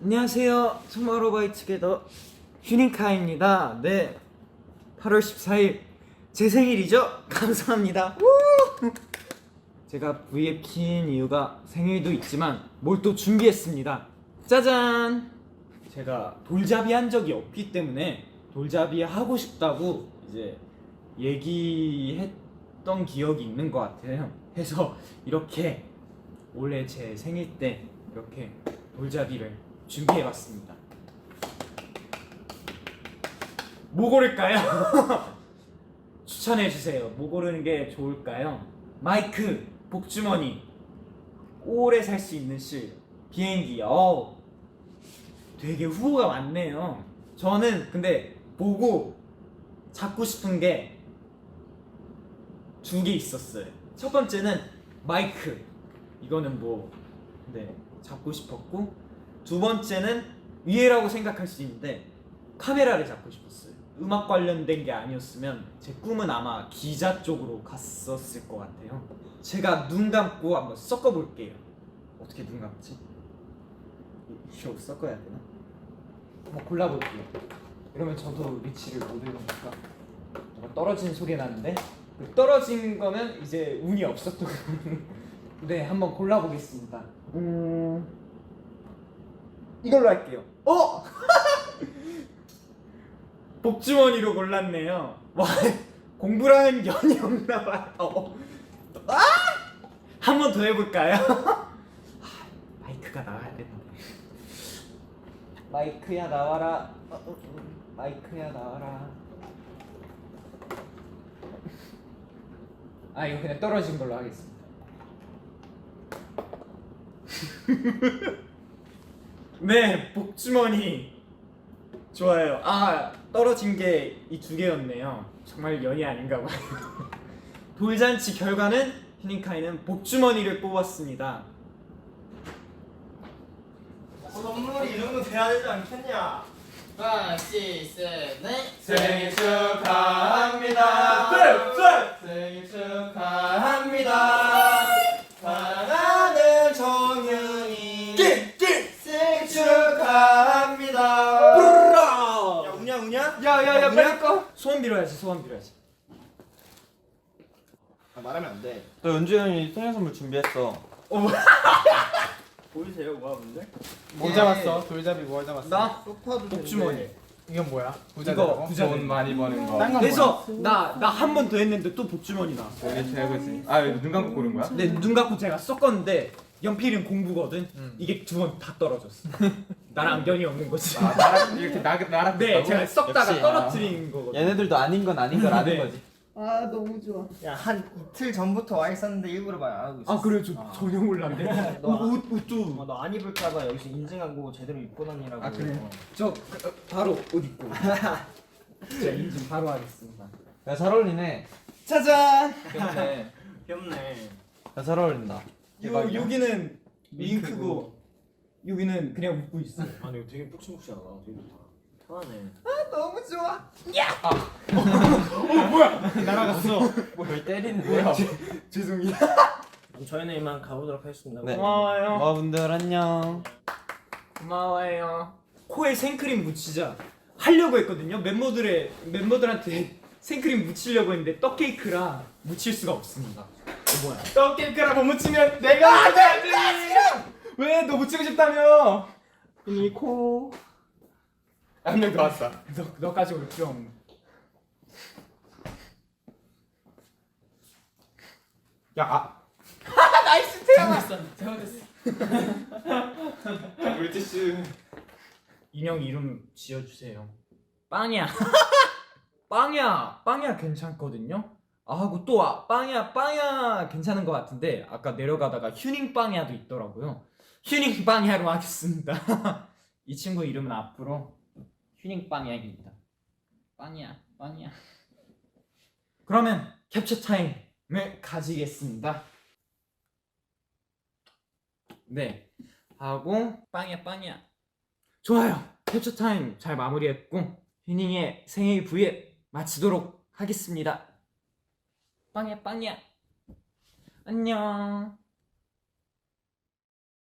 안녕하세요. 투모로우바이투게더 휴닝카입니다. 네, 8월 14일 제 생일이죠? 감사합니다. 제가 V에 킨 이유가 생일도 있지만 뭘 또 준비했습니다. 짜잔! 제가 돌잡이 한 적이 없기 때문에 돌잡이 하고 싶다고 이제 얘기했던 기억이 있는 것 같아요. 해서 이렇게 올해 제 생일 때 이렇게 돌잡이를 준비해봤습니다. 뭐 고를까요? 추천해주세요. 뭐 고르는 게 좋을까요? 마이크, 복주머니, 오래 살 수 있는 실, 비행기. 되게 후보가 많네요. 저는 근데 보고 잡고 싶은 게 두 개 있었어요. 첫 번째는 마이크. 이거는 뭐 잡고 싶었고, 두 번째는 위에라고 생각할 수 있는데 카메라를 잡고 싶었어요. 음악 관련된 게 아니었으면 제 꿈은 아마 기자 쪽으로 갔었을 것 같아요. 제가 눈 감고 한번 섞어볼게요. 어떻게 눈 감지? 이거 섞어야 되나? 한번 골라볼게요. 이러면 저도 위치를 못 읽으니까 뭔가 떨어지는 소리 나는데, 그 떨어진 거는 이제 운이 없었던 네, 한번 골라보겠습니다. 이걸로 할게요. 복주머니로 골랐네요. 와, 공부랑은 연이 없나봐요. 한 번 더 해볼까요? 마이크가 나와야 되는데. 마이크야 나와라. 마이크야 나와라. 이거 그냥 떨어진 걸로 하겠습니다. 네, 복주머니 좋아요. 떨어진 게 이 두 개였네요. 정말 연이 아닌가 봐요. 돌잔치 결과는 휴닝카이는 복주머니를 뽑았습니다. 선물이 이 정도 돼야 되지 않겠냐? 5, 6, 7, 8 생일 축하합니다. 생일 축하합니다. 사랑하는 정윤이 생일 축하합니다. 야, 우냐? 야야야, 빨리 꺼. 소원 빌어야지. 말하면 안 돼. 너 연주 형이 생일 선물 준비했어. 보이세요, 모아분들? 뭐 잡았어? 돌잡이 뭐 잡았어? 나 소파도 복주머니. 이건 뭐야? 이거 부자 돈 많이 버는 거. 딴건 그래서 나 한 번 더 했는데 또 복주머니 나왔어. 여기 최고지. 이거 눈 감고 고른 거야? 근데 눈 감고 제가 썼건데 연필은 공부거든. 이게 두 번 다 떨어졌어. 나랑 연이 없는 거지. 나랑 이렇게 나랑 네, 제가 썩다가 역시. 떨어뜨린 거거든. 얘네들도 아닌 건 아닌 걸 아는 네. 거지. 너무 좋아. 야, 한 이틀 전부터 와 있었는데 일부러 말 안 하고 있었어. 그래, 전혀 몰랐네. 옷도 너 안 입을까봐 여기서 인증하고 제대로 입고 다니라고. 그래. 바로 옷 입고. 제가 인증 바로 하겠습니다. 야, 잘 어울리네. 짜잔. 귀엽네. 귀엽네. 야, 잘 어울린다. 대박이야. 여기는 윙크고 여기는 그냥 웃고 있어. 아니, 이거 되게 푹신푹신하다. 되게 좋다. 편하네. 너무 좋아. 날아갔어. 뭘 때리는데요? 죄송해요. 그럼 저희는 이만 가보도록 하겠습니다. 네. 고마워요. 모아분들 안녕. 고마워요. 코에 생크림 묻히자 하려고 했거든요. 멤버들한테 생크림 묻히려고 했는데 떡케이크라 묻힐 수가 없습니다. 뭐야? 떡케이크라 못 묻히면 내가 묻혀야지. 왜? 너 묻히고 싶다며? 이 코. 한 명 더 왔어. 너까지 올 필요 없는. 야, 나이스 태양아. 잘못했어. 물티슈. 인형 이름 지어주세요. 빵이야. 빵이야 괜찮거든요. 하고 또 빵이야 괜찮은 것 같은데 아까 내려가다가 휴닝 빵이야도 있더라고요. 휴닝 빵이야로 하겠습니다. 이 친구 이름은 앞으로 휴닝 빵이야입니다. 빵이야. 그러면 캡처 타임을 가지겠습니다. 네, 하고 빵이야. 좋아요. 캡처 타임 잘 마무리했고 휴닝의 생일 V에 마치도록 하겠습니다. 빵이야. 안녕.